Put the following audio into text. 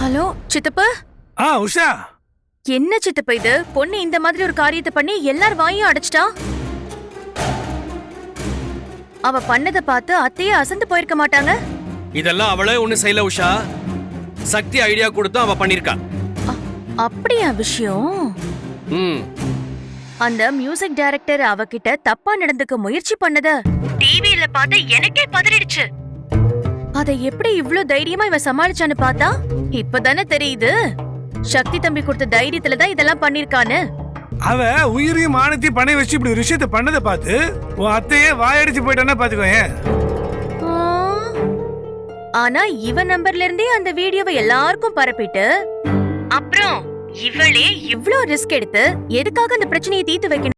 Hello சித்தப்பா. உஷா, என்ன சித்தப்பா இது? பொண்ணு இந்த மாதிரி ஒரு காரியத்தை பண்ணி எல்லார் வாயும் அடைச்சிட்டா. அவ பண்ணத பார்த்து அத்தையே அசந்து போயிருக்க மாட்டாங்க. இதெல்லாம் அவளே ஒண்ணு செய்யல உஷா. சக்தி ஐடியா கொடுத்து அவ பண்ணிருக்கா. அப்படியா விஷயம்? அந்த மியூசிக் டைரக்டர் அவகிட்ட தப்பா நடந்துக்க முயற்சி பண்ணத டிவியில பார்த்து எனக்கே பதறிடுச்சு. அத எப்படி இவ்ளோ தைரியமா இவ சமாளிச்சான்னு பார்த்தா இப்பதானே தெரியுது சக்தி தம்பி கொடுத்த தைரியத்துல தான் இதெல்லாம் பண்ணிருக்கான்னு. அவ உயிரையும் மானத்தையும் பணம் வச்சு இப்படி ஒரு விஷயத்த பண்ணதை பார்த்து உன் அத்தையே வாயடிச்சு போயிட்டானா பாத்துக்கோங்க. ஆனா இவ நம்பர்ல இருந்தே அந்த வீடியோவை எல்லாருக்கும் பரப்பிட்டு அப்புறம் இவளே இவ்ளோ ரிஸ்க் எடுத்து எதுக்காக அந்த பிரச்சனையை தீர்த்து வைக்கணும்?